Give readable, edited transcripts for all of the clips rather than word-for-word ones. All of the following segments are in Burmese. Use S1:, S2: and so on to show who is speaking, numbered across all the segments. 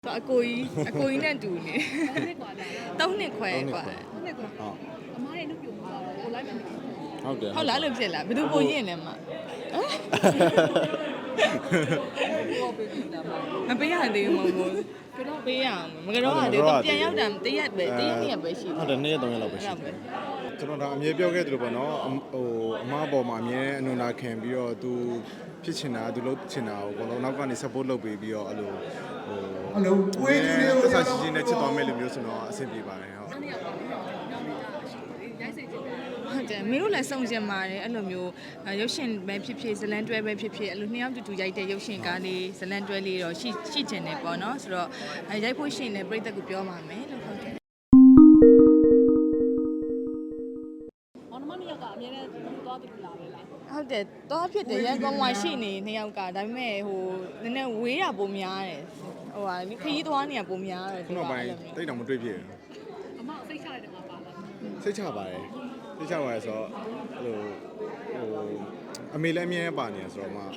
S1: အကိုကြီးနဲ့တူနေ3နှစ်ခွဲกว่า
S2: အမားရဲ့နှုတ်ပြမှာကိုလိုက်မယ်
S3: ဟုတ်တယ်
S1: ဟုတ်လားလို့ဖြစ်လားဘယ်သူပိုရင်လဲမမပေးရသေးဘူးမဟုတ်ကတော့ပေးရအောင်မကတော့ရသေးဘူးပြန်ရောက်တာတရက်နှစ်ရက်ပဲရှိ
S3: ဟုတ်တယ်2ရက်3ရက်လောက်ပဲရှိတယ်ကျွန်တော်ဒါအမြဲပြောခဲ့သလိုပေါ့နော်အမားပေါ်မှာအမြဲအနုနာခံပြီးတော့သူဖြစ်ချင်တာသူလုပ်ချင်တာကိုဘလုံးနောက်ကနေ support လုပ်ပေးပြီးတော့အဲ့လိုဝေးလူတွေကိုဆက်ရှိနေချစ်သွားမယ်လို့မျိုးဆိုတော့အဆင်ပြေပါတယ်ဟုတ်
S1: ဟုတ်တယ်မင်းတို့လည်းစုံစင်ပါတယ်အဲ့လိုမျိုးရုပ်ရှင်ပဲဖြစ်ဖြစ်ဇလန်တွဲပဲဖြစ်ဖြစ်အဲ့လိုနှစ်ယောက်တူရိုက်တဲ့ရုပ်ရှင်ကားလေးဇလန်တွဲလေးတော့ရှိချင်တယ်ပေါ့နော်ဆိုတော့ရိုက်ဖို့ရှင်တဲ့ပြိတ္တကိုပြောပါမယ်လို့ဟုတ်တယ်
S2: မောင်နှမနှစ်ယောက်ကအများနဲ့သွားတူလာပဲလား
S1: ဟုတ်တယ်တော့ဖြစ်တယ်ရန်ကုန်မှာရှိနေနှစ်ယောက်ကဒါပေမဲ့ဟိုနည်းနည်းဝေးတာပုံများတယ်ဟိုဟာခရီးသွားနေတာပုံများတယ်
S3: ခုနောက်ပိုင်းတိတ်တောင်မတွေ့ဖြစ်
S2: အမစိတ်ချရတယ်မှာပါလား
S3: စိတ်ချပါတယ်စိတ်ချပါတယ်ဆိုတော့အဲ့လိုအမေလည်းအမြဲပါနေရဆိုတော့မှ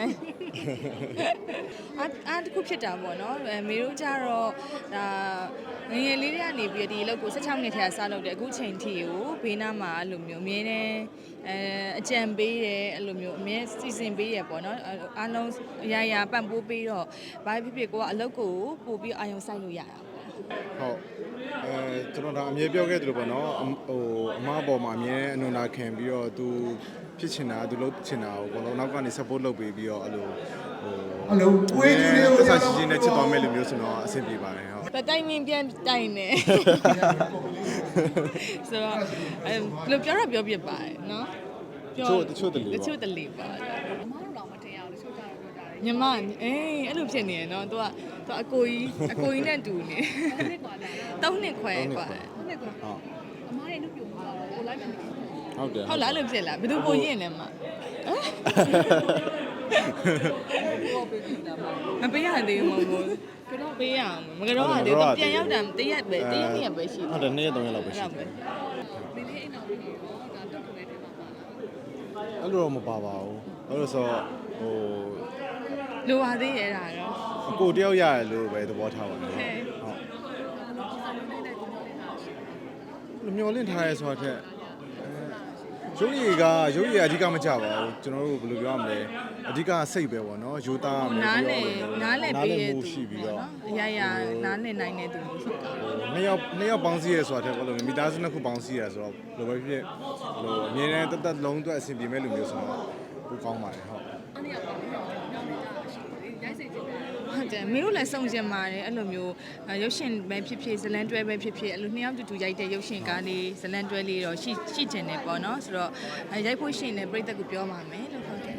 S1: အားတစ်ခုဖြစ်တာပေါ့နော်မေတို့ကြတော့ဒါငယ်ငယ်လေးတွေကနေပြီးဒီအလုပ်ကို16နှစ်ထဲကစလုပ်တယ်အခုချိန်ထိကိုဘေးနားမှာအဲ့လိုမျိုးအမြဲတမ်းအကြံပေးတယ်အဲ့လိုမျိုးအမြဲစီစဉ်ပေးရပေါ့နော်အားလုံးအရာပံ့ပိုးပေးတော့ဘာဖြစ်ဖြစ်ကိုကအလုပ်ကိုပို့ပြီးအာရုံစိုက်လို့ရတာ
S3: ဟုတ်ကျွန်တော်ဒါအမြဲပြောခဲ့သလိုပေါ့နော်အမားပေါ်မှာအမြဲအနုနာခံပြီးတော့သူဖြစ်ချင်တာသူလုပ်ချင်တာကိုဘလုံးနောက်ကနေ support လုပ်ပေးပြီးတော့အဲ့လိုဝေးလူတွေကိုဆက်ရှိနေချစ်သွားမယ်လို့မျိုးဆိုတော့အဆင်ပြေပါတယ်ဟုတ်
S1: တိုင်မင်းပြန်တိုင်နေဆိုတော့လို့ပြောပြပါတယ်နော်
S3: တချို့တ
S1: လေပါ
S2: အမားတို့တော့မတင်ရဘူးတချို့ကြတော့ပြောတာလေ
S1: ညီမအဲ့လိုဖြစ်နေရနော်သူကအကိုကြီးနဲ့တူနေ3နှစ်ခွဲกว่า
S2: အမားရဲ့နှုတ်ပြမှာကိုလိုက်မယ်
S3: ဟုတ်တယ်
S1: ဟုတ်လားလို့ဖြစ်လားဘယ်သူပိုရင်လဲမမပေးရသေးဘူးမဟုတ်ကတော့ပေးရအောင်မကတော့ရသေးဘူးပြန်ရောက်တာတရက်နှစ်ရက်ပဲရှိ
S3: ဟုတ်တယ်2ရက်3ရက်လောက်ပဲရှိတယ်
S2: ဒီနေ့အိမ်တော်ပြီးတော့ဒါတုတ်ကိုလည်းတင်ပါပါ
S3: အဲ့လိုတော့မပါပါဘူးအဲ့လိုဆို
S1: လိုပါသေးရဲ့ဒါတော့
S3: အကိုတယောက်ရတယ်လို့ပဲသဘောထားပါတယ်ဟုတ်မျောလင့်ထားရဲဆိုတာထက်ရုပ်ရည်အဓိကမကြပါဘူးကျွန်တော်တို့ဘယ်လိုပြောရမလဲအဓိကစိတ်ပဲပေါ့နော်ယူသားမယ်
S1: နားလည်ပေးရသူ
S3: ရှိပြီးတော့
S1: အရာနားလည်နိုင်တဲ့သူဖြစ်တာ
S3: နှစ်ယောက်ပေါင်းစည်းရဲဆိုတာထက်ဘယ်လိုမိသားစုနှစ်ခုပေါင်းစည်းရဲဆိုတော့ဘယ်လိုပဲဖြစ်ဟိုအမြဲတမ်းတက်လုံးအတွက်အဆင်ပြေမဲ့လူမျိုးဆိုတော့ပိုကောင်းပါတယ်ဟုတ်
S2: အဲ့ဒီကတော့ညောင်းနေတာရှိတယ်ရိုက်စိတ်ကြည့်တယ်
S1: ဟုတ်တယ်မင်းတို့လည်းစုံစင်ပါတယ်အဲ့လိုမျိုးရုပ်ရှင်ပဲဖြစ်ဖြစ်ဇလန်တွဲပဲဖြစ်ဖြစ်အဲ့လိုနှစ်ယောက်တူရိုက်တဲ့ရုပ်ရှင်ကားလေးဇလန်တွဲလေးတော့ရှိချင်တယ်ပေါ့နော်ဆိုတော့ရိုက်ဖို့ရှင်တဲ့ပြိတ္တကိုပြောပါမယ်လို့ဟုတ်တယ်